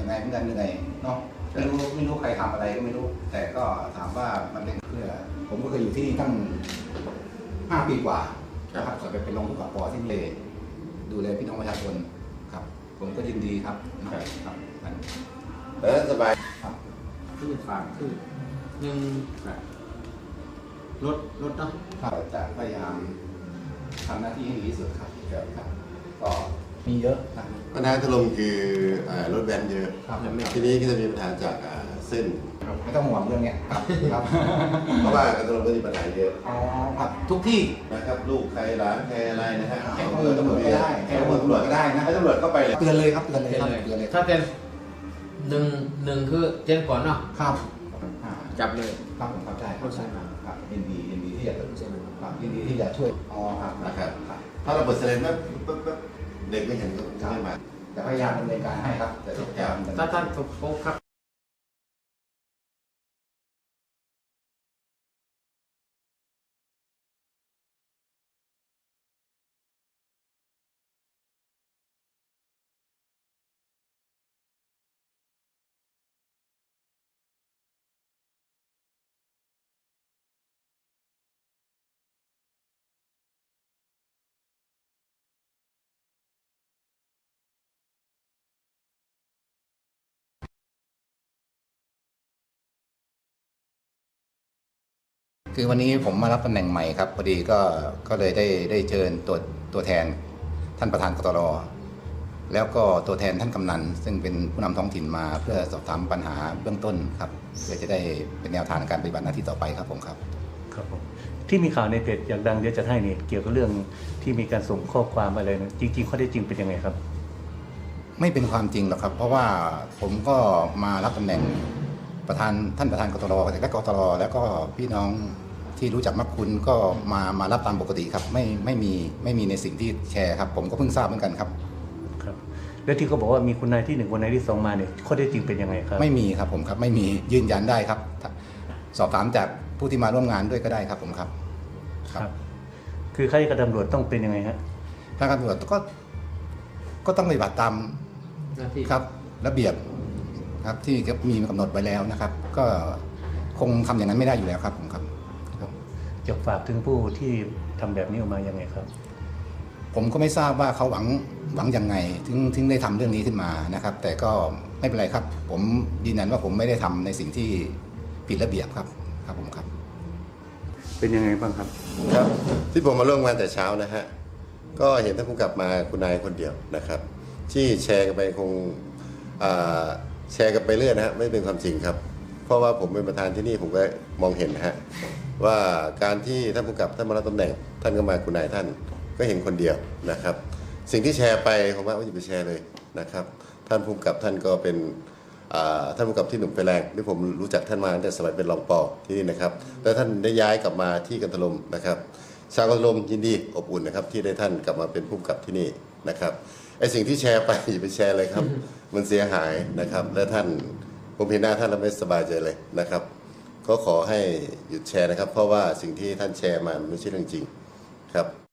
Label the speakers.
Speaker 1: ยังไงเหมือนกันเหนื่อยเนาะไม่รู้ใครทำอะไรก็ไม่รู้แต่ก็ถามว่ามันเป็นเพื่อผมก็เคยอยู่ที่นี่ตั้ง5 ปีกว่านะครับก่อนไปเป็นรองผู้กำกับป.ที่นี่ดูแลพี่น้องประชาชนครับผมก็ยินดีครับครับ
Speaker 2: สบาย
Speaker 1: ครับ
Speaker 3: คือฝากคือหนึ่งรถเนาะ
Speaker 1: ครับจะพยายามทำหน้าที่ให้ดีที่สุดครับก็มีเยอะนะ
Speaker 2: ปัญหาถล่มคือรถแวนเยอะทีนี้ก็จะมีปัญหาจากเส้น
Speaker 1: ไม่ต้องห่วงเรื่องนี้ครับ
Speaker 2: เพราะว่าการถล่มก็มีปัญหาเยอะ
Speaker 1: ครับทุกที่
Speaker 2: นะครับลูกใครหลานใครอะไรนะฮะ
Speaker 1: ให้ตำรวจก็ได้ให้ตำรวจก็ได้นะ
Speaker 2: ให้ตำรวจเข้าไป
Speaker 1: เตือนเลยครับเตือนเลย
Speaker 3: ถ้าเป็นหนึ่งคือแจ้งก่อนเนาะ
Speaker 1: ครับ
Speaker 3: จับเลย
Speaker 1: ครับผมเข้าใจครับยินดีที่จะยินดีที่จะช่วยครับ
Speaker 2: นะครับถ้าเราเปิดเซเลนปุ๊บเด็กไม่เห็นก็ไม่มา
Speaker 1: จะพยายามดำเนินการให้ครับแต่
Speaker 3: ถ้าท่านพบครับ
Speaker 1: คือวันนี้ผมมารับตำแหน่งใหม่ครับพอดีก็เลยได้เชิญตัวแทนท่านประธานกตร.แล้วก็ตัวแทนท่านกำนันซึ่งเป็นผู้นำท้องถิ่นมาเพื่อสอบถามปัญหาเบื้องต้นครับเพื่อจะได้เป็นแนวทางในการปฏิบัติหน้าที่ต่อไปครับผมครับ
Speaker 4: ผมที่มีข่าวในเพจอยากดังเดี๋ยวจะให้เนี่ยเกี่ยวกับเรื่องที่มีการส่งข้อความอะไรนะจริงๆข้อเท็จจริงเป็นยังไงครับ
Speaker 1: ไม่เป็นความจริงหรอกครับเพราะว่าผมก็มารับตำแหน่งท่านประธานกตร.และกตร.แล้วก็พี่น้องที่รู้จักมักคุณก็มารับตามปกติครับไม่มีในสิ่งที่แชร์ครับผมก็เพิ่งทราบเหมือนกันครับ
Speaker 4: ครับแล้วที่เขาบอกว่ามีคนนายที่1คนนายที่2มาเนี่ยข้อเท็จจริงเป็นยังไงครับ
Speaker 1: ไม่มีครับผมครับไม่มียืนยันได้ครับสอบถามจากผู้ที่มาร่วมงานด้วยก็ได้ครับผมครับ
Speaker 4: ครับคือข้าราชการตำรวจต้องเป็นยังไงฮะ
Speaker 1: ข้าราชการตำรวจก็ต้องปฏิบัติตามครับระเบียบครับที่มีกำหนดไว้แล้วนะครับก็คงทำอย่างนั้นไม่ได้อยู่แล้วครับผมครับ
Speaker 4: จะฝากถึงผู้ที่ทำแบบนี้ออกมายังไงครับ
Speaker 1: ผมก็ไม่ทราบว่าเขาหวังยังไงถึงได้ทำเรื่องนี้ขึ้นมานะครับแต่ก็ไม่เป็นไรครับผมยืนยันว่าผมไม่ได้ทำในสิ่งที่ผิดระเบียบครับผมครับ
Speaker 4: เป็นยังไงบ้างครับ
Speaker 2: ครับที่ผมมาร่วมงานแต่เช้านะฮะก็เห็นท่านผู้กำกับมาคุณนายคนเดียวนะครับที่แชร์กันไปคงแชร์กันไปเรื่อยนะฮะไม่เป็นความจริงครับเพราะว่าผมเป็นประธานที่นี่ผมก็มองเห็นนะฮะว่าการที่ท่านผู้กำกับท่านมารับตำแหน่งท่านก็มาคุณนายท่านก็เห็นคนเดียวนะครับสิ่งที่แชร์ไปผมว่าอย่าไปแชร์เลยนะครับท่านผู้กำกับท่านก็เป็นท่านผู้กำกับที่หนุ่มไฟแรงที่ผมรู้จักท่านมาตั้งแต่สมัยเป็นรองป.ที่นี่นะครับแล้วท่านได้ย้ายกลับมาที่กันทลมนะครับชาวกันทลมยินดีอบอุ่นนะครับที่ได้ท่านกลับมาเป็นผู้กำกับที่นี่นะครับไอ้สิ่งที่แชร์ไปอย่าไปแชร์เลยครับมันเสียหายนะครับและท่านผมเห็นหน้าท่านแล้วไม่สบายใจเลยนะครับก็ขอให้หยุดแชร์นะครับเพราะว่าสิ่งที่ท่านแชร์มาไม่ใช่เรื่องจริงครับ